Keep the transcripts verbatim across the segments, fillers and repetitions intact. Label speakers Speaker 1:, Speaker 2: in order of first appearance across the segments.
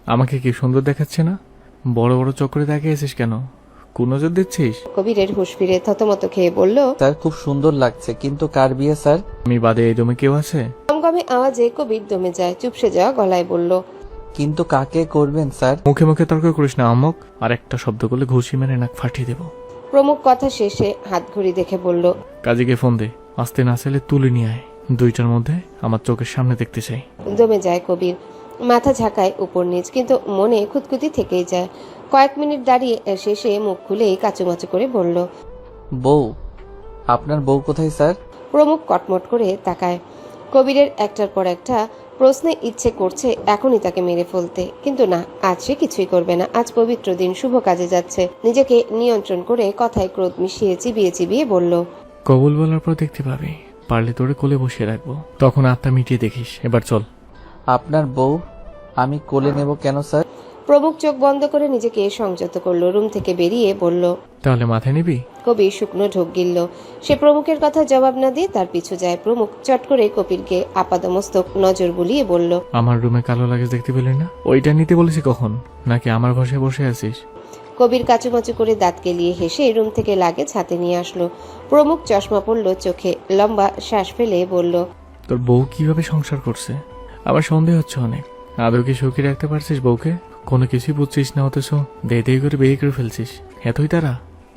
Speaker 1: আমাকে কি সুন্দর দেখাচ্ছে না? বড় বড় চক্করে তাকিয়েছিস কেন? কোন নজর দিচ্ছিস?
Speaker 2: কবিরের হুঁশ ফিরে থতমত খেয়ে বলল,
Speaker 3: স্যার খুব সুন্দর লাগছে, কিন্তু কার বিয়ে স্যার?
Speaker 1: আমি বাদে এই দমে কেউ আছে?
Speaker 2: গমগমে আওয়াজে কবির দমে যায়, চুপসে যাওয়া গলায় বলল,
Speaker 3: কিন্তু কাকে করবেন স্যার?
Speaker 1: মুখে মুখে তর্ক করিস না আহম্মক। আর একটা শব্দ করলে ঘুষি মেরে নাক ফাটিয়ে দেব।
Speaker 2: প্রমুখ কথা শেষে হাত ঘড়ি দেখে বলল,
Speaker 1: কাজীকে ফোন দে, আসতে না চাইলে তুলে নিয়ে আয়। দুইটার মধ্যে আমার চোখের সামনে দেখতে চাই।
Speaker 2: দমে যায় কবির, মাথা ঝাঁকায় উপর নিচ, কিন্তু মনে খুঁতখুতি থেকেই যায়। কয়েক মিনিট দাঁড়িয়ে শেষে মুখ খুলেই কাচুমাচু করে বলল,
Speaker 3: বউ? আপনার বউ কোথায় স্যার?
Speaker 2: প্রমুখ কটমট করে তাকায়। কবিরের একটার পর একটা প্রশ্নে ইচ্ছে করছে এখনই তাকে মেরে ফেলতে, কিন্তু না, আজ সে কিছুই করবে না। আজ পবিত্র দিন, শুভ কাজে যাচ্ছে। নিজেকে নিয়ন্ত্রণ করে কথায় ক্রোধ মিশিয়ে চিবিয়ে চিবিয়ে বলল,
Speaker 1: কবুল বলার পর দেখতে পাবি, পারলে তোরে কোলে বসিয়ে রাখবো, তখন আত্মা মিটিয়ে দেখিস। এবার চল।
Speaker 3: আপনার বউ আমি কোলে নেব কেন স্যার?
Speaker 2: প্রমুখ চোখ বন্ধ করে নিজেকে সংযত করলো, রুম থেকে বেরিয়ে বলল,
Speaker 1: তাহলে মাথায় নিবি?
Speaker 2: কবির শুকনো ঢোক গিলল। সে প্রমুখের কথা জবাব না দিয়ে তার পিছু যায়। প্রমুখ চট করে কবিরকে আপাদমস্তক নজর বুলিয়ে বলল,
Speaker 1: আমার রুমে কালো লাগেজ দেখতে পেলি না? ওইটা নিতে বলেছি কখন? নাকি আমার ঘষে বসে আছিস?
Speaker 2: কবির কাচুমাচু করে দাঁত কেলিয়ে হেসে রুম থেকে লাগেজ হাতে নিয়ে আসলো। প্রমুখ চশমা পড়ল চোখে, লম্বা শ্বাস ফেলে বলল,
Speaker 1: তোর বউ কিভাবে সংসার করছে? আমার সন্দেহ হচ্ছে অনেক। আদৌ কি সুখী রাখতে পারছিস বউকে? কোনো কিছুই বুঝছিস না, অথচ দে দে করে বিয়ে করে ফেলছিস। এতই তারা?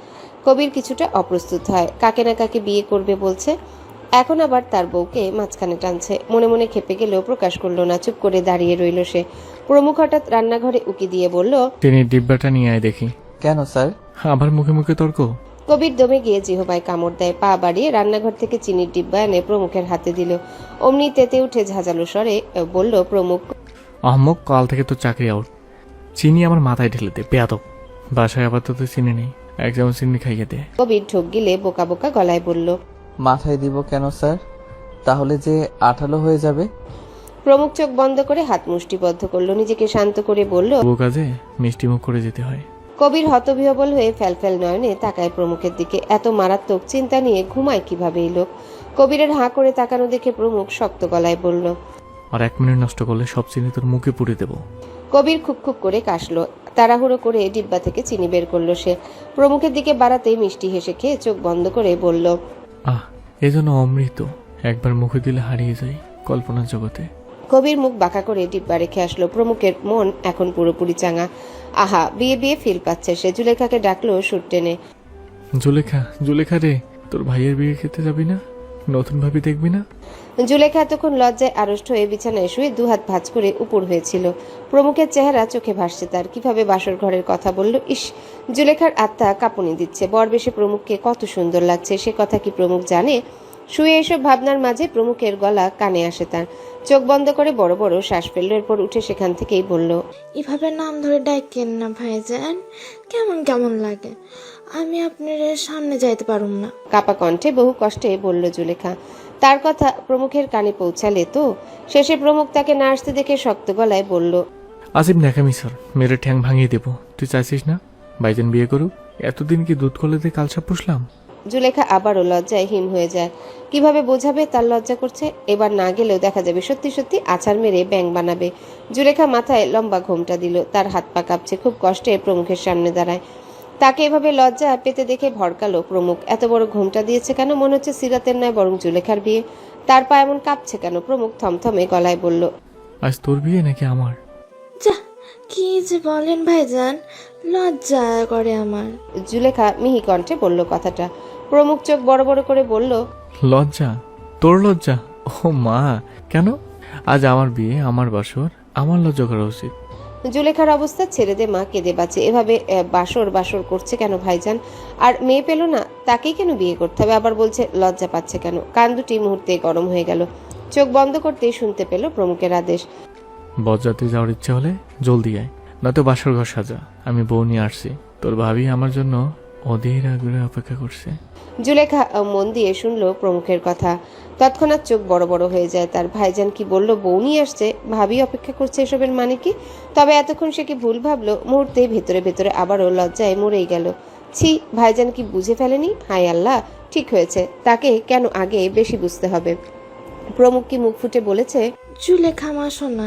Speaker 2: কবির কিছুটা অপ্রস্তুত হয়। কাকে না কাকে বিয়ে করবে বলছে, এখন আবার তার বউকে মাঝখানে টানছে। মনে মনে খেপে গেলেও প্রকাশ করলো না, চুপ করে দাঁড়িয়ে রইল সে। প্রমুখ হঠাৎ রান্নাঘরে উকি দিয়ে বলল,
Speaker 1: টেনের ডিব্বাটা নিয়ে আয় দেখি।
Speaker 3: কেন স্যার?
Speaker 1: আবার মুখে মুখে তর্ক?
Speaker 2: কবির দমে গিয়ে জিহবায় কামড় দেয়, পা বাড়িয়ে রান্নাঘর থেকে চিনির ডিব্বা এনে প্রমুখের হাতে দিল। অমনি তেতে উঠে ঝাঁঝালো স্বরে বলল প্রমুখ,
Speaker 1: আহম্মক, কাল থেকে তো চাকরি আউট। চিনি আমার মাথায় ঢেলে দে, বেয়াদব। বাসায় আপাতত চিনি নেই, এক চামচ চিনি খাইয়ে দে।
Speaker 2: কবির ঢোক গিলে বোকা বোকা গলায় বলল,
Speaker 3: মাথায় দিব কেন স্যার? তাহলে যে আঠালো হয়ে যাবে।
Speaker 2: প্রমুখ চোখ বন্ধ করে হাত মুষ্টিবদ্ধ করলো, নিজেকে শান্ত করে বলল,
Speaker 1: বউ কাজে মিষ্টি মুখ করে যেতে হয়।
Speaker 2: কবির হতবিহবল হয়ে ফ্যালফ্যাল নয়নে তাকায় প্রমুখের দিকে। এত মারাত্মক চিন্তা নিয়ে ঘুমায় কিভাবে এই লোক? কবিরের হাঁ করে তাকানো দেখে প্রমুখ শক্ত গলায় বলল,
Speaker 1: আর এক মিনিট নষ্ট করলে সব চিনি তোর মুখে পুড়ে দেবো।
Speaker 2: কবির খুব খুব করে কাশলো। তাড়াহুড়ো করে ডিব্বা থেকে চিনি বের করলো সে। প্রমুখের দিকে বাড়াতেই মিষ্টি হেসে খেয়ে চোখ বন্ধ করে বলল,
Speaker 1: আহ, এজন্য অমৃত একবার মুখে দিলে হারিয়ে যায় কল্পনার জগতে।
Speaker 2: কবির মুখ বাঁকা করে ডিব্বা রেখে আসলো। প্রমুখের মন এখন পুরোপুরি চাঙা। আহা, বিয়ে বিয়ে ফিল পাচ্ছে সে। জুলেখাকে ডাকলো সুর টেনে,
Speaker 1: জুলেখা, জুলেখা রে, তোর ভাইয়ের বিয়ে খেতে যাবি না? নতুন ভাবি দেখবি না?
Speaker 2: জুলেখা এতক্ষণ লজ্জায় আড়ষ্ট হয়ে বিছানায় শুয়ে দুহাত ভাঁজ করে উপর হয়েছিল। প্রমুখের চেহারা চোখে ভাসছে তার। কিভাবে বাসর ঘরের কথা বলল! ইস, জুলেখার আত্মা কাঁপুনি দিচ্ছে। বরবেশে প্রমুখকে কত সুন্দর লাগছে সে কথা কি প্রমুখ জানে? শুয়ে এসব ভাবনার মাঝে প্রমুখের গলা কানে আসে তার। চোখ বন্ধ করে বড় বড় শ্বাস ফেলল। এরপর উঠে সেখান থেকেই বলল,
Speaker 4: এভাবে নাম ধরে ডাকেন না ভাইজান, কেমন কেমন লাগে। আমি আপনার সামনে যাইতে পারুম না।
Speaker 2: কাপা কণ্ঠে বহু কষ্টে বলল জুলেখা। তার কথা প্রমুখের কানে পৌঁছালে তো। শেষে প্রমুখ তাকে না আসতে দেখে শক্ত গলায় বলল,
Speaker 1: আজিব ন্যাকামি স্যার, মেরে ঠ্যাং ভাঙিয়ে দেবো। তুই চাইছিস না ভাইজান বিয়ে করুক? এতদিন কি দুধ কলে দিয়ে কালসাপ পুষলাম?
Speaker 2: জুলেখা আবারও লজ্জায় হিম হয়ে যায়। কিভাবে বোঝাবে তার লজ্জা করছে? এবার না গেলেও দেখা যাবে সত্যি সত্যি আছাড় মেরে ব্যাং বানাবে। জুলেখা মাথায় লম্বা ঘোমটা দিল। তার হাত পা কাঁপছে, খুব কষ্টে প্রমুখের সামনে দাঁড়ায়। তাকে এভাবে লজ্জা পেতে দেখে ভড়কালো প্রমুখ। এত বড় ঘোমটা দিয়েছে কেন? মনে হচ্ছে সিরাতের নয় বরং জুলেখার বিয়ে। তার পা এমন কাঁপছে কেন? প্রমুখ থমথমে গলায় বলল,
Speaker 1: আজ তোর বিয়ে নাকি আমার?
Speaker 4: যা, কি যে বলেন ভাইজান, লজ্জা করে আমার।
Speaker 2: জুলেখা মিহি কণ্ঠে বলল কথাটা। প্রমুখ চোখ বড় বড় করে বলল,
Speaker 1: লজ্জা? তোর লজ্জা? ও মা, কেন? আজ আমার বিয়ে, আমার বাসর, আমার লজ্জা করা উচিত।
Speaker 2: জুলেখার অবস্থা ছেড়ে দে মা, কেঁদে বাঁচে। এভাবে বাসর বাসর করছে কেন ভাইজান? আর মেয়ে পেল না, তাকেই কেন বিয়ে করতে হবে? আবার বলছে লজ্জা পাচ্ছে কেন? কান দুটি মুহূর্তে গরম হয়ে গেল। চোখ বন্ধ করতেই শুনতে পেল প্রমুখের আদেশ,
Speaker 1: বরযাত্রী যাওয়ার ইচ্ছে হলে জলদি আয়, নয়তো বাসর ঘর সাজা। আমি বউ নিয়ে আসছি। তোর ভাবি আমার জন্য অধীর আগ্রহে অপেক্ষা করছে।
Speaker 2: জুলেখা মন দিয়ে শুনল প্রমুখের কথা। তৎক্ষণাৎ চোখ বড় বড় হয়ে যায় তার। ভাইজান কি বলল? বউ নিয়ে আসছে, ভাবি অপেক্ষা করছে, এসবের মানে কি? তবে এতক্ষণ সে কি ভুল ভাবলো? মুহূর্তে ভেতরে ভেতরে আবারও লজ্জায় মরেই গেল। ছি, ভাইজান কি বুঝে ফেলেনি? হায় আল্লাহ, ঠিক হয়েছে। তাকে কেন আগে বেশি বুঝতে হবে? প্রমুখ কি মুখ ফুটে বলেছে,
Speaker 4: জুলেখা মা শোনা,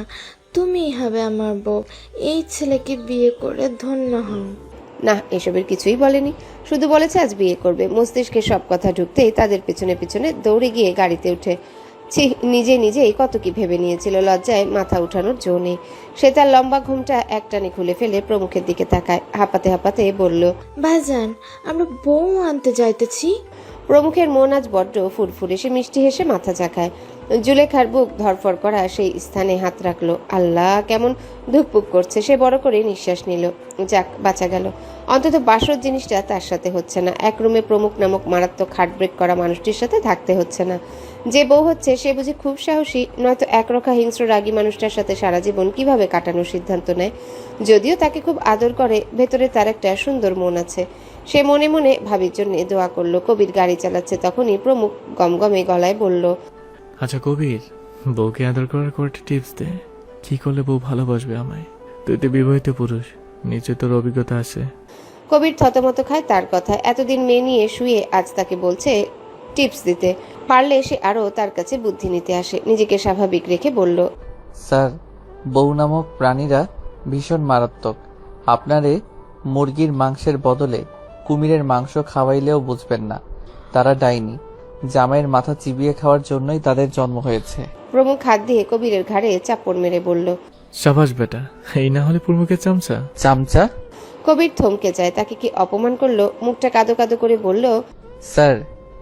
Speaker 4: তুমিই হবে আমার বউ। এই ছেলেকে বিয়ে করে ধন্য হও।
Speaker 2: না, এসবের কিছুই বলেনি, শুধু বলেছে আজ বিয়ে করবে। মস্তিষ্কে সব কথা ঢুকতেই তাদের পেছনে পেছনে দৌড়ে গিয়ে গাড়িতে উঠে ছি, নিজে নিজেই কত কি ভেবে নিয়েছিল। লজ্জায় মাথা উঠানোর জো নেই। সে তার লম্বা ঘুমটা একটানে খুলে ফেলে প্রমুখের দিকে তাকায়, হাঁপাতে হাঁপাতে বলল,
Speaker 4: ভাইজান, আমরা বউ আনতে যাইতেছি।
Speaker 2: প্রমুখের মন আজ বড্ড ফুরফুরে। সে মিষ্টি হেসে মাথা ঝাঁকায়। জুলেখার বুক ধরফর করা সেই স্থানে হাত রাখলো। আল্লাহ, কেমন ধুকপুক করছে। সে বড় করে নিঃশ্বাস নিল। যাক, বাঁচা গেল। অন্তত বাসর জিনিসটা তার সাথে হচ্ছে না। এক রুমে প্রমুখ নামক মারাত্মক হার্টব্রেক করা মানুষটির সাথে থাকতে হচ্ছে না। যে বউ হচ্ছে সে বুঝি খুব সাহসী, নয়তো একরক্ষা হিংস্র রাগী মানুষটার সাথে সারা জীবন কিভাবে কাটানোর সিদ্ধান্ত নেয়। যদিও তাকে খুব আদর করে, ভেতরে তার একটা সুন্দর মন আছে। সে মনে মনে ভাবির জন্য দোয়া করলো। কবির গাড়ি চালাচ্ছে, তখনই প্রমুখ গমগমে গলায় বলল,
Speaker 1: আচ্ছা কবির, বউকে আদর করার কয়েকটা টিপস দে। কি করলে বউ ভালোবাসবে আমায়? তুই তো বিবাহিত পুরুষ, নিশ্চয় তোর অভিজ্ঞতা আছে।
Speaker 2: কবির থতমত খায় তার কথায়। এতদিন মেয়ে নিয়ে শুয়ে আজ তাকে বলছে টিপস দিতে। পারলে সে আরো তার কাছে বুদ্ধি নিতে আসে। নিজেকে স্বাভাবিক রেখে বলল,
Speaker 3: স্যার, বউ নামক প্রাণীরা ভীষণ মারাত্মক। আপনারে মুরগির মাংসের বদলে কুমিরের মাংস খাওয়াইলেও বুঝবেন না। তারা ডাইনি। জামাইয়ের মাথা চিবিয়ে খাওয়ার জন্যই তাদের জন্ম হয়েছে।
Speaker 2: প্রমুখ হাত দিয়ে কবিরের ঘাড়ে চাপড় মেরে বলল,
Speaker 1: সাবাস বেটা, এই না হলে প্রমুখের চামচা।
Speaker 3: চামচা?
Speaker 2: কবির থমকে যায়। তাকে কি অপমান করলো? মুখটা কাদো কাদো করে বলল,
Speaker 3: স্যার,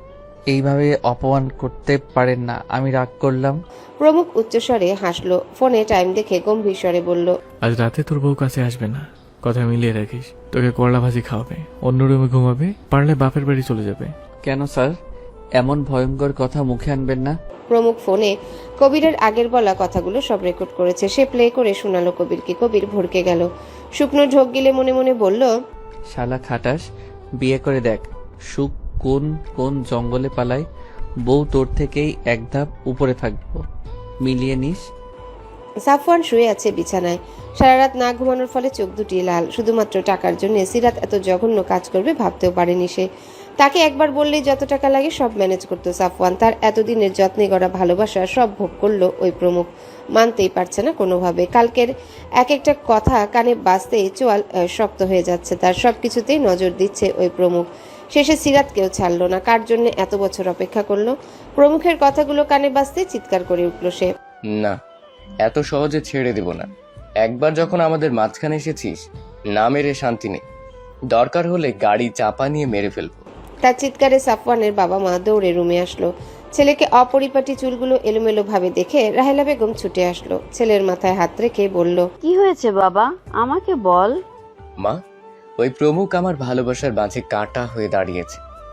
Speaker 3: এইভাবে অপমান করতে পারেন না। আমি রাগ করলাম।
Speaker 2: প্রমুখ উচ্চস্বরে হাসলো। ফোনে টাইম দেখে গম্ভীর স্বরে বলল,
Speaker 1: আজ রাতে তোর বউ কাছে আসবে না, কথা মিলিয়ে রাখিস। তোকে করলা ভাজি খাওয়াবে, অন্য রুমে ঘুমাবে, পারলে বাপের বাড়ি চলে যাবে।
Speaker 3: কেন স্যার? এমন ভয়ঙ্কর কথা মুখে আনবেন না।
Speaker 2: প্রমুখ ফোনে কবিরের আগের বলা কথাগুলো সব রেকর্ড করেছে। সে প্লে করে শোনালো কবিরকে। কবির ভড়কে গেল। শুকনো ঢোক গিলে মনে মনে বলল,
Speaker 3: শালা খাটাস, বিয়ে করে দেখ সুখ কোন কোন জঙ্গলে পালায়। বউ তোর থেকেই এক ধাপ উপরে থাকবো, মিলিয়ে নিস।
Speaker 2: সাফওয়ান শুয়ে আছে বিছানায়। সারা রাত না ঘুমানোর ফলে চোখ দুটি লাল। শুধুমাত্র টাকার জন্য সিরাত এত জঘন্য কাজ করবে ভাবতেও পারেনি সে। তাকে একবার বললেই যত টাকা লাগে সব ম্যানেজ করতো সাফওয়ান। তার এতদিনের যত্নে গড়া ভালোবাসা সব ভোগ করলো ওই প্রমুখ। মানতেই পারছে না কোনোভাবে। কালকের এক একটা কথা কানে বাজতেই চোয়াল আহ, শক্ত হয়ে যাচ্ছে তার। সব কিছুতেই নজর দিচ্ছে ওই প্রমুখ। শেষে সিরাতকেও ছাড়লো না। কার জন্য এত বছর অপেক্ষা করলো? প্রমুখের কথাগুলো কানে বাজতেই চিৎকার করে উঠল সে।
Speaker 5: না, এত সহজে ছেড়ে দেব না। একবার যখন আমাদের মাঝখানে এসেছিস, না মেরে শান্তি নেই। দরকার হলে গাড়ি চাপা নিয়ে মেরে ফেলবো।
Speaker 2: তার চিৎকারে সাফওয়ানের বাবা মা দৌড়ে রুমে আসলো। ছেলেকে অপরিপাটি চুলগুলো এলোমেলো ভাবে দেখে রাহেলা বেগম ছুটে আসলো। ছেলের মাথায় হাত রেখে বলল,
Speaker 6: কি হয়েছে বাবা, আমাকে বল।
Speaker 5: মা, ওই প্রমুখ আমার ভালোবাসার মাঝে কাঁটা হয়ে দাঁড়িয়েছে।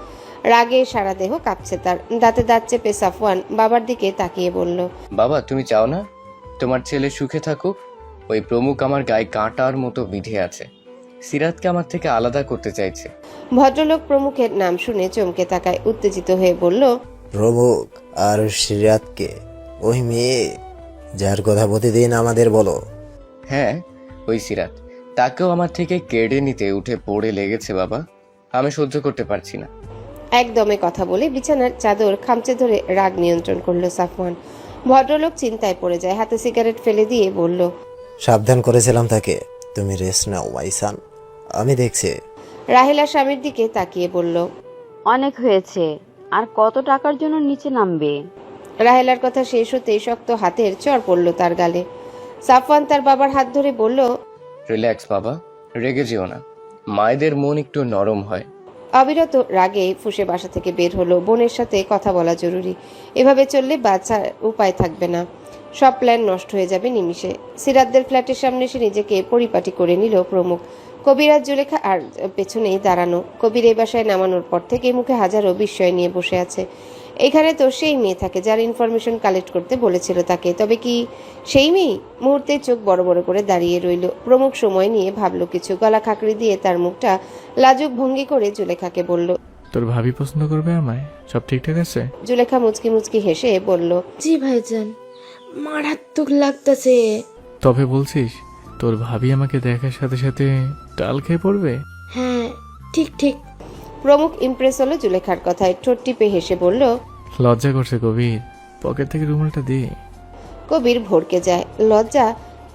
Speaker 2: রাগে সারা দেহ কাঁপছে তার। দাঁতে দাঁত চেপে সাফওয়ান বাবার দিকে তাকিয়ে বলল,
Speaker 5: বাবা, তুমি চাও না তোমার ছেলে সুখে থাকুক? ওই প্রমুখ আমার গায়ে কাঁটার মতো বিঁধে আছে। সিরাতকে আমার থেকে আলাদা করতে চাইছে।
Speaker 2: ভদ্রলোক প্রমুখের নাম শুনে চমকে তাকায়। উত্তেজিত হয়ে বলল,
Speaker 7: প্রমুখ আর সিরাতকে? ওই মেয়ে যার কথা প্রতিদিন আমাদের বলো।
Speaker 5: হ্যাঁ, ওই সিরাত। তাকেও আমার থেকে কেড়ে নিতে উঠে পড়ে লেগেছে বাবা। আমি সহ্য করতে পারছি না।
Speaker 2: একদমে কথা বলে বিছানার চাদর খামচে ধরে রাগ নিয়ন্ত্রণ করলো সাফওয়ান। ভদ্রলোক চিন্তায় পড়ে যায়। হাতে সিগারেট ফেলে দিয়ে বলল,
Speaker 7: সাবধান করেছিলাম তাকে। তুমি রেস্ট নাও মাইসান, আমি দেখছি।
Speaker 2: রাহেলা স্বামীর দিকে তাকিয়ে বলল,
Speaker 6: অনেক হয়েছে, আর কত টাকার জন্য নিচে নামবে?
Speaker 2: রাহেলার কথা শেষ হতেই শক্ত হাতের চড় পড়ল তার গালে। সাফওয়ান তার বাবার হাত ধরে বলল,
Speaker 5: রিল্যাক্স বাবা, রেগে যেও না। মায়েদের মন একটু নরম হয়।
Speaker 2: অবিরত রাগে ফুঁসে বাসা থেকে বের হলো। বোনের সাথে কথা বলা জরুরি। এভাবে চললে বাচ্চার উপায় থাকবে না। সব প্ল্যান নষ্ট হয়ে যাবে নিমিষে। সিরাতদের ফ্ল্যাটের সামনে এসে নিজেকে পরিপাটি করে নিল প্রমুখ। কবির আর জুলেখা আর পেছনেই দাঁড়ানো। কবির এই বাসায় নামানোর পর থেকে মুখে হাজারো বিস্ময় নিয়ে বসে আছে। এখানে তো সেই মেয়ে থাকে যার ইনফরমেশন কালেক্ট করতে বলেছিল তাকে। তবে কি সেই মেয়ে? মুহূর্তে চোখ বড় বড় করে দাঁড়িয়ে রইল। প্রমুখ সময় নিয়ে ভাবলো কিছু। গলা খাকড়ি দিয়ে তার মুখটা লাজুক ভঙ্গি করে জুলেখাকে বলল,
Speaker 1: তোর ভাবি পছন্দ করবে আমায়? সব ঠিকঠাক আছে?
Speaker 2: জুলেখা মুচকি মুচকি হেসে বলল,
Speaker 4: জি ভাইজান, মারাত্মক লাগতেছে।
Speaker 1: তবে বলছিস তোর ভাবি আমাকে দেখার সাথে সাথে ডাল খেয়ে পড়বে?
Speaker 4: হ্যাঁ, ঠিক ঠিক।
Speaker 2: প্রমুখ ইমপ্রেস হলো জুলেখার কথায়। ঠোঁট টিপে হেসে বলল,
Speaker 1: লজ্জা করছে কবির, পকেট থেকে রুমালটা দে।
Speaker 2: কবির ভড়কে যায়। লজ্জা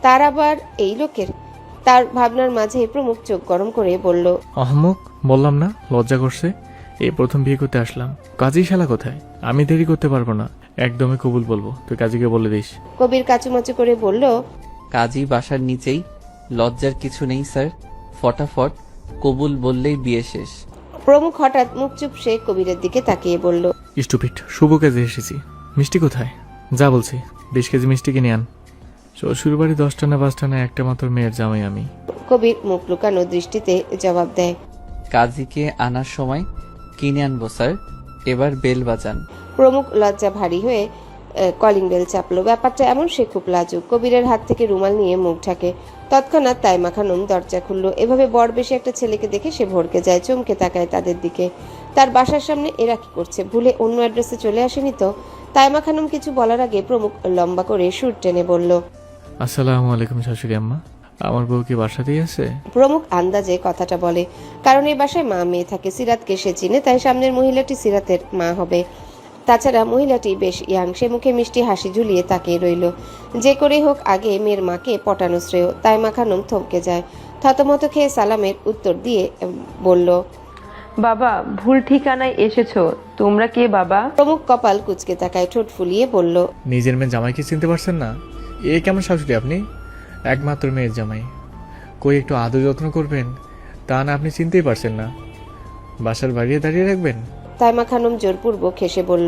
Speaker 2: তার আবার এই লোকের? তার ভাবনার মাঝে প্রমুখ চোখ গরম করে বলল,
Speaker 1: অহমক, বললাম না লজ্জা করছে। এই প্রথম বিয়ে করতে আসলাম। কাজী শালা কোথায়? আমি দেরি করতে পারবো না, একদমই কবুল বলবো। তুই কাজীকে বলে দিস।
Speaker 2: কবির কাচুমাচু করে বলল,
Speaker 3: কাজী বাসার নিচেই, লজ্জার কিছু নেই স্যার, ফটাফট কবুল বললেই বিয়ে শেষ।
Speaker 2: প্রমুখ হঠাৎ মুখ চুপসে কবিরের দিকে তাকিয়ে বলল,
Speaker 1: স্টুপিড, শুভ কাজে এসেছি। মিষ্টি কোথায়? যা বলছি, বিশ কেজি মিষ্টি কিনে আন। শ্বশুর বাড়ি দশটা না পাঁচটা না, একটা মাত্র মেয়ের জামাই আমি।
Speaker 2: কবির মুখ লুকানো দৃষ্টিতে জবাব দেয়,
Speaker 3: কাজীকে আনার সময় কিনে আনবো স্যার, এবার বেল বাজান।
Speaker 2: প্রমুখ লজ্জা ভারী হয়ে কলিং বেল চাপলো। ব্যাপারটা এমন সে খুব লাজুক। কবিরের হাত থেকে রুমাল নিয়ে মুখ ঢাকে। তৎক্ষণাৎ তাইমা খানম দরজা খুলল। এভাবে বর বেশি একটা ছেলেকে দেখে সে ভড়কে যায়, চমকে তাকায় তাদের দিকে। তার বাসার সামনে এরা কি করছে? ভুলে অন্য অ্যাড্রেসে চলে আসেনি তো? তাইমা খানম কিছু বলার আগে প্রমুখ লম্বা করে সুর টেনে বলল,
Speaker 1: আসসালামু আলাইকুম শাশুড়ি আম্মা, আমার বউ কি বাসাতেই আছে?
Speaker 2: প্রমুখ আন্দাজে কথাটা বলে, কারণ এই বাসায় মা মেয়ে থাকে। সিরাতকে সে চিনে, তাই সামনের মহিলাটি সিরাতের মা হবে। তাছাড়া মহিলাটি বেশ ইয়াং, সে মুখে মিষ্টি হাসি ঝুলিয়ে তাকিয়ে রইল। যে করেই হোক আগে মেয়ের মাকে পটানো শ্রেয়। তাইমা খানম থমকে যায়, থতমত খেয়ে সালামের উত্তর দিয়ে বলল,
Speaker 8: বাবা, ভুল ঠিকানায় এসেছো। তোমরা কে বাবা?
Speaker 2: প্রমুখ কপাল কুঁচকে তাকায়, ঠোঁট ফুলিয়ে বলল,
Speaker 1: নিজের মেয়ে জামাইকে চিনতে পারছেন না? এ কেমন শাশুড়ি আপনি? একমাত্র মেয়ের জামাই, কই একটু আদর যত্ন করবেন, তা না আপনি চিনতেই পারছেন না। বাসার বাড়িয়ে দাঁড়িয়ে রাখবেন?
Speaker 2: তাইমা খানম জোরপূর্বক হেসে বলল,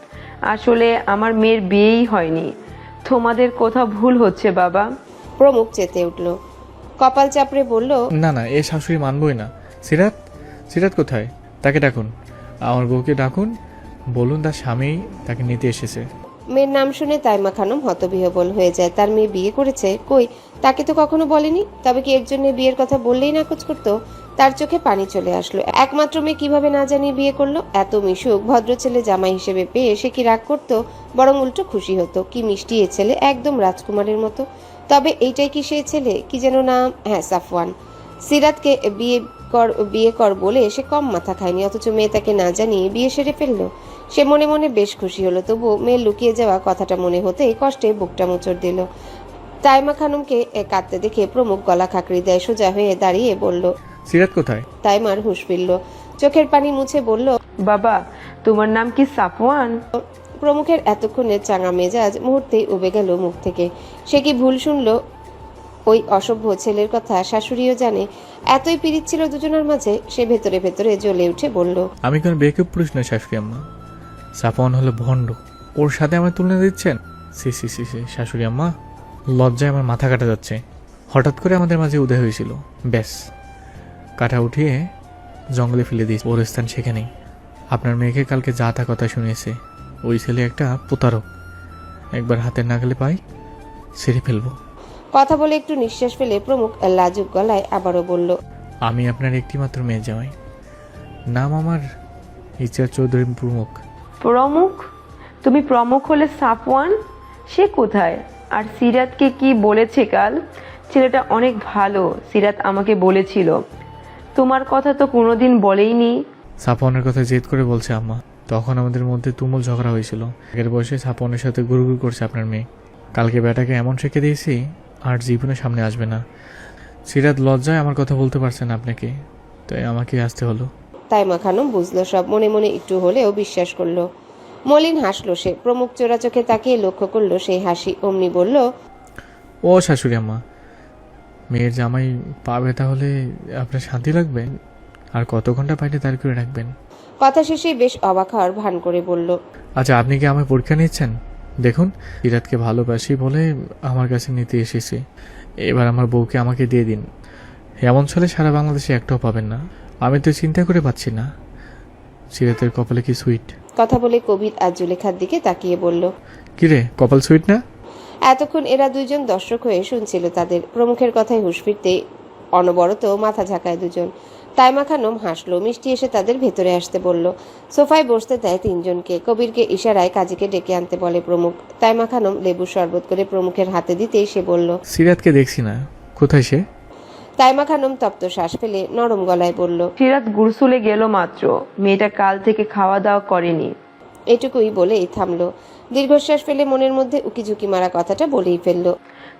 Speaker 8: আসলে আমার মেয়ের বিয়েই হয়নি। তোমাদের কোথাও ভুল হচ্ছে বাবা।
Speaker 2: প্রমুখ চেতে উঠল, কপাল চাপড়ে বলল,
Speaker 1: না না, এ শাশুড়ি মানবই না। সিরাত, সিরাত কোথায়? তাকে ডাকুন, আমার বউকে ডাকুন, বলুন তার স্বামী তাকে নিতে এসেছে।
Speaker 2: মেয়ের নাম শুনে তাইমা খানম হতবিহ্বল হয়ে যায়। তার মেয়ে বিয়ে করেছে? কই, তাকে তো কখনো বলেনি। তবে কি এর জন্য বিয়ের কথা বললেই নাকচ করতো? তার চোখে পানি চলে আসলো। একমাত্র মেয়ে কিভাবে না জানিয়ে বিয়ে করলো? এত মিশুক ভদ্র ছেলে জামাই হিসেবে পেয়ে সে কি রাগ করতো? বরং উল্টো খুশি হতো। কি মিষ্টি এ ছেলে, একদম রাজকুমারের মতো। তবে এইটাই কি সেই ছেলে? কি যেন নাম, হ্যাঁ সাফওয়ান। সিরাতকে বিয়ে কর বিয়ে কর বলে সে কম মাথা খায়নি, অথচ মেয়ে তাকে না জানিয়ে বিয়ে সেরে ফেললো। সে মনে মনে বেশ খুশি হলো। তবু মেয়ের লুকিয়ে যাওয়া কথাটা মনে হতেই কষ্টে বুকটা মোচড় দিল। তাইমা খানমকে কাঁদতে দেখে প্রমুখ গলা খাকড়ি দেয়, সোজা হয়ে দাঁড়িয়ে বলল,
Speaker 1: সিরাত কোথায়?
Speaker 2: তাইমার হুঁশ ফিরল, চোখের পানি মুছে বলল,
Speaker 8: বাবা, তোমার নাম কি সাফওয়ান?
Speaker 2: প্রমুখের এতক্ষণের চাঙা মেজাজ মুহূর্তেই উবে গেল মুখ থেকে। সে কি ভুল শুনলো? ওই অসভ্য ছেলের কথা শাশুড়িও জানে। এতই পিরিত ছিল দুজনের মাঝে। সে ভেতরে ভেতরে জ্বলে উঠে বলল,
Speaker 1: আমি কোনো বেকুব পুরুষ নয় শাশুড়ি আম্মা। সাফওয়ান হলো ভণ্ড, ওর সাথে আমার তুলনা দিচ্ছেন? সি সি সি সি শাশুড়ি আম্মা, লজ্জায় আমার মাথা কাটা যাচ্ছে। হঠাৎ করে আমাদের মাঝে উদয় হয়েছিল, ব্যাস কাটা উঠিয়ে জঙ্গলে ফেলে দিয়েছে। ওর স্থান সেখানেই। আপনার মেয়েকে কালকে যা তা কথা শুনিয়েছে। ওই ছেলে একটা প্রতারক, একবার হাতের নাগালে পাই ছেড়ে ফেলবো।
Speaker 2: কথা বলে একটু নিঃশ্বাস ফেলে প্রমুখ লাজুক গলায় আবারও বলল,
Speaker 1: আমি আপনার একটিমাত্র মেয়ে জামাই, নাম আমার ইচ্ছা চৌধুরী প্রমুখ।
Speaker 8: প্রমুখ? তুমি প্রমুখ হলে সাফওয়ান সে কোথায়? আর সিরাতকে কি বলেছে কাল? ছেলেটা অনেক ভালো, সিরাত আমাকে বলেছিল। তোমার কথা তো কোনোদিন বলেইনি।
Speaker 1: সাফওয়ানের কথা জেদ করে বলছে আম্মা। তখন আমাদের মধ্যে তুমুল ঝগড়া হয়েছিল। আগের বয়সে সাফওয়ানের সাথে গুরুগুরু করছে আপনার মেয়ে। কালকে বেটাকে এমন শিখে দিয়েছি আর জীবনে সামনে আসবে না। সিরাত লজ্জায় আমার কথা বলতে পারছে না আপনাকে, তাই আমাকে আসতে হলো।
Speaker 2: তাইমা খানম বুঝলো সব, মনে মনে একটু হলেও বিশ্বাস করলো। মলিন হাসলো সে। প্রমুখ চোরা চোখে তাকিয়ে লক্ষ্য করলো সেই হাসি। অমনি বলল,
Speaker 1: ও শাশুড়ি আম্মা, মেয়ের জামাই পাবে তাহলে আপনার শান্তি লাগবে? আর কত ঘন্টা পাইলে তার করে রাখবেন?
Speaker 2: কথা শেষে বেশ অবাক হওয়ার ভান করে বলল,
Speaker 1: আচ্ছা, আপনি কি আমার পরীক্ষা নিচ্ছেন? দেখুন, সিরাতকে ভালোবাসি বলে আমার কাছে নিতে এসেছি। এবার আমার বউকে আমাকে দিয়ে দিন। এমন ছেলে সারা বাংলাদেশে একটাও পাবেন না। আমি তো চিন্তা করে পাচ্ছি না সিরাতের কপালে কি সুইট।
Speaker 2: কথা বলে কবির আর জুলেখার দিকে তাকিয়ে বলল,
Speaker 1: কিরে, কপাল সুইট না?
Speaker 2: এতক্ষণ এরা দুইজন দর্শক হয়ে শুনছিল তাদের। প্রমুখের কথায় হুঁশ ফিরতে অনবরত মাথা ঝাঁকায় দুজন। তাইমা খানম হাসলো, মিষ্টি এসে তাদের ভেতরে আসতে বলল। সোফায় বসতে দেয় তিনজনকে। কবিরকে ইশারায় কাজীকে ডেকে আনতে বলে প্রমুখ। তাইমা খানম লেবু শরবত করে প্রমুখের হাতে দিতেই সে বলল,
Speaker 1: সিরাতকে দেখছি না, কোথায় সে?
Speaker 2: তাইমা খানম তপ্ত শ্বাস ফেলে নরম গলায় বলল,
Speaker 8: সিরাত গুরসুলে গেল মাত্র। মেয়েটা কাল থেকে খাওয়া দাওয়া করেনি।
Speaker 2: এটুকুই বলেই থামলো। দীর্ঘশ্বাস ফেলে মনের মধ্যে উকিঝুঁকি মারা কথাটা বলেই ফেলল।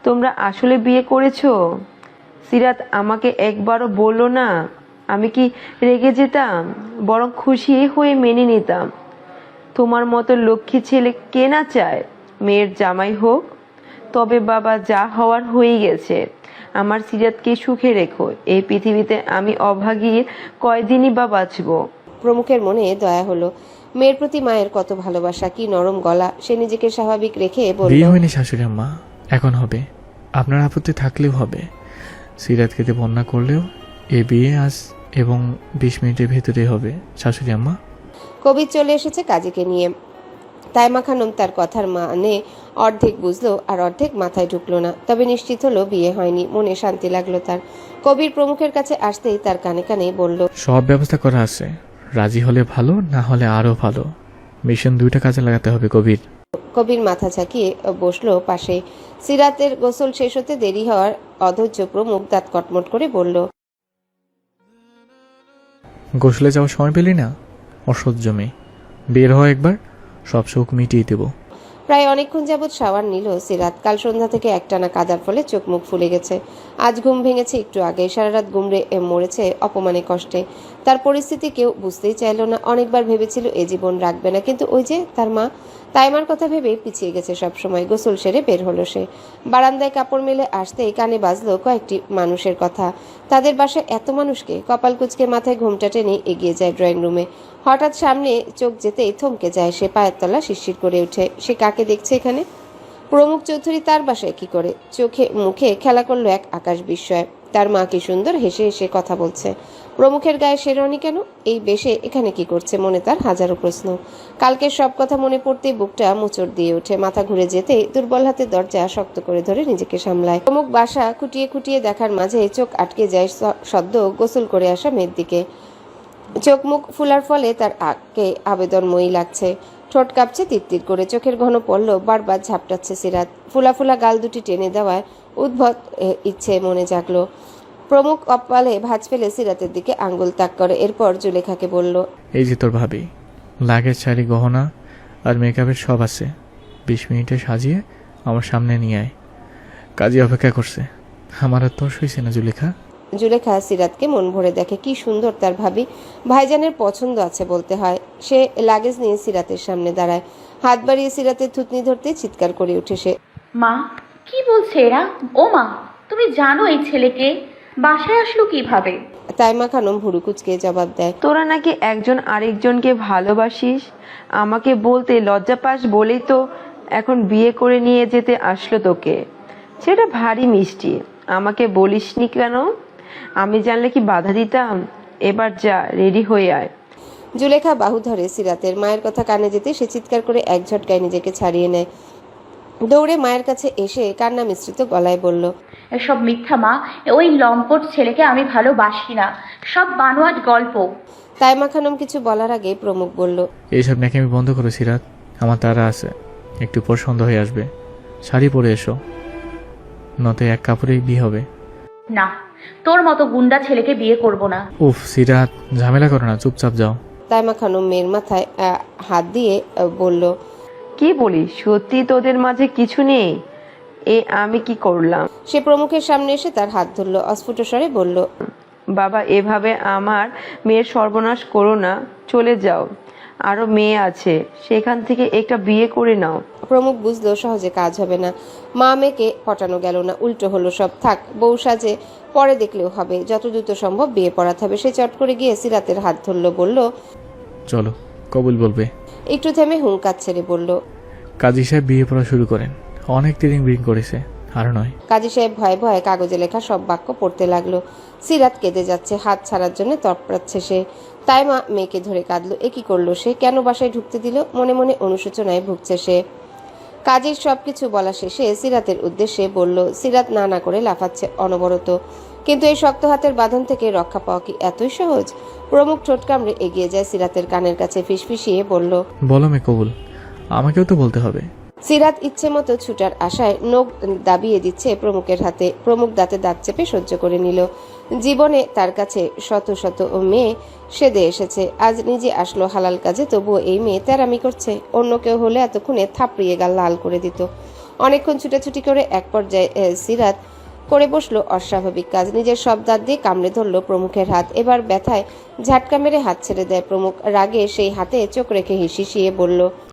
Speaker 8: তোমরা আসলে বিয়ে করেছো? সিরাত আমাকে একবারও বললো না। আমি কি রেগে যেতাম? বরং খুশি হয়ে মেনে নিতাম। তোমার মতো লক্ষ্মী ছেলে কে না চায় মেয়ের জামাই হোক? তবে বাবা, যা হওয়ার হয়ে গেছে। আমার সিরাতকে সুখে রেখো। এই পৃথিবীতে আমি অভাগী কয়দিনই বা বাঁচবো।
Speaker 2: প্রমুখের মনে দয়া হলো। মেয়ের প্রতি মায়ের কত ভালোবাসা, কি নরম গলা। সে নিজেকে স্বাভাবিক রেখে বলল,
Speaker 1: বিয়ে হয়নি শাশুড়ি আম্মা, এখন হবে। আপনার আপত্তি থাকলেও হবে। সিরাত খেতে বন্যা করলেও এ বিয়ে আজ এবং বিশ মিনিটের ভেতরে হবে শাশুড়ি আম্মা।
Speaker 2: কবির চলে এসেছে কাজীকে নিয়ে। তাইমা খানম তার কথার মানে অর্ধেক বুঝলো আর অর্ধেক মাথায় ঢুকলো না। তবে নিশ্চিত হলো বিয়ে হয়নি। মনে শান্তি লাগলো তার। কবির প্রমুখের কাছে আসতেই তার কানে কানে বলল,
Speaker 1: সব ব্যবস্থা করা আছে, রাজি হলে ভালো, না হলে আরো ভালো। মিশন দুইটা কাজে লাগাতে হবে কবির।
Speaker 2: কবির মাথা ঝাঁকিয়ে বসলো পাশে। সিরাতের গোসল শেষ হতে দেরি হওয়ার অধৈর্য প্রমুখ দাঁত কটমট করে বলল,
Speaker 1: গোসলে যাওয়ার সময় পেলি না? অসহ্য মেয়ে, বের হয় একবার, সব শোক মিটিয়ে দেবো।
Speaker 2: প্রায় অনেকক্ষণ যাবৎ শাওয়ার নিল সিরাত। কাল সন্ধ্যা থেকে একটানা কাদার ফলে চোখ মুখ ফুলে গেছে। আজ ঘুম ভেঙেছে একটু আগে। সারা রাত গুমড়ে মরেছে অপমানে কষ্টে। তার পরিস্থিতি কেউ বুঝতেই চাইল না। অনেকবার ভেবেছিল এ জীবন রাখবে না, কিন্তু ওই যে তার মা তাইমার কথা ভেবে পিছিয়ে গেছে সব সময়। গোসল সেরে বের হলো সে। বারান্দায় কাপড় মেলে আসতেই কানে বাজলো কয়েকটি মানুষের কথা। তাদের বাসায় এত মানুষকে। কপাল কুচকে মাথায় ঘোমটা টেনে এগিয়ে যায় ড্রয়িং রুমে। হঠাৎ সামনে চোখ যেতেই থমকে যায় সে। পায়ের তলা শিরশির করে ওঠে। সে কাকে দেখছে এখানে? প্রমুখ চৌধুরী তার বাসায় কি করে? চোখে মুখে খেলা করলো এক আকাশ বিস্ময়। তার মা কি সুন্দর হেসে হেসে কথা বলছে। প্রমুখের গায়ে শেরওয়ানি কেন? এই বেশে এখানে কি করছে? মনে তার হাজারো প্রশ্ন। কালকের সব কথা মনে পড়তেই বুকটা মোচড় দিয়ে ওঠে। মাথা ঘুরে যেতেই দুর্বল হাতে দরজা শক্ত করে ধরে নিজেকে সামলায়। প্রমুখ বাসা খুঁটিয়ে খুঁটিয়ে দেখার মাঝে চোখ আটকে যায় সদ্য গোসল করে আসা মেয়ের দিকে। চোখ মুখ ফুলার ফলে তার আঁকে আবেদনময়ী লাগছে। ঠোঁট কাঁপছে তিরতির করে। চোখের ঘন পল্লব বারবার ঝাপটাচ্ছে সিরাত। ফুলা ফুলা গাল দুটি টেনে দেওয়ায় উদ্ভট ইচ্ছে মনে জাগলো। প্রমুখ কপালে ভাঁজ ফেলে সিরাতের দিকে আঙ্গুল তাক করে। এরপর জুলেখাকে বলল,
Speaker 1: এই যে তোর ভাবি, লাগেজ, শাড়ি, গহনা আর মেকআপের সব আছে। বিশ মিনিটে সাজিয়ে আমার সামনে নিয়ে আয়। কাজী অপেক্ষা করছে। আমার আর তোর সইছে না জুলেখা।
Speaker 2: জুলেখা সিরাতকে মন ভরে দেখে। কি সুন্দর তার ভাবি। ভাইজানের পছন্দ আছে বলতে হয়। সে লাগেজ নিয়ে সিরাতের সামনে দাঁড়ায়। হাত বাড়িয়ে সিরাতের থুতনি ধরতে চিৎকার করে উঠে সে।
Speaker 9: মা, কি বলছে এরা? ও মা, তুমি জানো এই ছেলেকে? বাসায় আসলো কিভাবে?
Speaker 2: তাইমা খানম ভুরু কুচকে জবাব দেয়,
Speaker 8: তোরা নাকি একজন আরেকজনকে ভালোবাসিস। আমাকে বলতে লজ্জা পাস বলেই তো এখন বিয়ে করে নিয়ে যেতে আসলো তোকে। সেটা ভারী মিষ্টি। আমাকে বলিসনি কেন? আমি জানলে কি বাধা দিতাম? এবার যা, রেডি হয়ে আয়।
Speaker 2: জুলেখা বাহু ধরে সিরাতের। মায়ের কথা কানে যেতে সে চিৎকার করে এক ঝটকায় নিজেকে ছাড়িয়ে নেয়। দৌড়ে মায়ের কাছে এসে কান্না মিশ্রিত গলায় বলল,
Speaker 9: এসব মিথ্যা মা। ওই লম্পট ছেলেকে আমি ভালোবাসি না। সব বানোয়াট গল্প।
Speaker 2: তাইমা খানম কিছু বলার আগে প্রমুখ বলল,
Speaker 1: এইসব নাকি আমি বন্ধ করো সিরাত, আমার তারা আছে। একটু পর সন্ধ্যা হয়ে আসবে। শাড়ি পরে এসো, নতে এক কাপড়েই বিয়ে হবে।
Speaker 9: না, তোর মতো গুন্ডা ছেলেকে বিয়ে করব না।
Speaker 1: উফ সিরাত, ঝামেলা করো না, চুপচাপ যাও।
Speaker 2: তাইমা খানম মেয়ের মাথায় আহ, হাত দিয়ে আহ, বলল,
Speaker 8: কি বলিস? সত্যি তোদের মাঝে কিছু নেই? এ আমি কি করলাম?
Speaker 2: সে প্রমুখের সামনে এসে তার হাত ধরল। অস্ফুট স্বরে বলল,
Speaker 8: বাবা, এভাবে আমার মেয়ের সর্বনাশ করো না। চলে যাও, আরো মেয়ে আছে, সেখান থেকে একটা বিয়ে করে নাও।
Speaker 2: প্রমুখ বুঝলো সহজে কাজ হবে না। মা মেয়েকে পটানো গেল না, উল্টো হলো সব। থাক, বউ সাজে পরে দেখলেও হবে। যত দ্রুত সম্ভব বিয়ে পড়াতে হবে। সে চট করে গিয়ে সিরাতের হাত ধরল, বলল,
Speaker 1: চলো, কবুল বলবে।
Speaker 2: একটু থেমে হুঙ্কার ছেড়ে বলল,
Speaker 1: কাজী সাহেব বিয়ে পড়া শুরু করেন। অনেক তিরিং বিরিং করেছে, আর নয়।
Speaker 2: কাজী সাহেব ভয়ে ভয়ে কাগজে লেখা সব বাক্য পড়তে লাগলো। সিরাত কেঁদে যাচ্ছে, হাত ছাড়ার জন্য তৎপরাচ্ছে সে। তাইমা মেয়েকে ধরে কাঁদলো। এ কি করলো সে? কেন বাসায় ঢুকতে দিল? মনে মনে অনুশোচনায় ভুগছে সে। কাজীর সবকিছু বলা শেষে সিরাতের উদ্দেশ্যে বলল। সিরাত না না করে লাফাচ্ছে অনবরত। কিন্তু এই শক্ত হাতের বাঁধন থেকে রক্ষা পাওয়া কি এতই সহজ? প্রমুখ ঠোঁট কামড়ে এগিয়ে যায় সিরাতের কানের কাছে, ফিসফিসিয়ে বলল,
Speaker 1: বলো মে কবুল, আমাকেও তো বলতে হবে।
Speaker 2: সিরাত ইচ্ছে মতো ছুটার আশায় নখ দাবিয়ে দিচ্ছে প্রমুখের হাতে। প্রমুখ দাঁতে দাঁত চেপে সহ্য করে নিল। জীবনে তার কাছে শত শত মেয়ে সেদে এসেছে, আজ নিজে আসলো হালাল কাজে, তবুও এই মেয়ে তেরামি করছে। অন্য কেউ হলে এতক্ষণে থাপড়িয়ে গাল লাল করে দিত। অনেকক্ষণ ছুটাছুটি করে এক পর্যায়ে আহ, সিরাত করে বসলো অস্বাভাবিক কাজ। নিজের সব দাঁত দিয়ে কামড়ে ধরলো প্রমুখের হাত। এবার ব্যথায় ঝাটকা মেরে হাত ছেড়ে দেয় প্রমুখ। রাগে সেই হাতে চোখ রেখে হিসিয়ে বলল,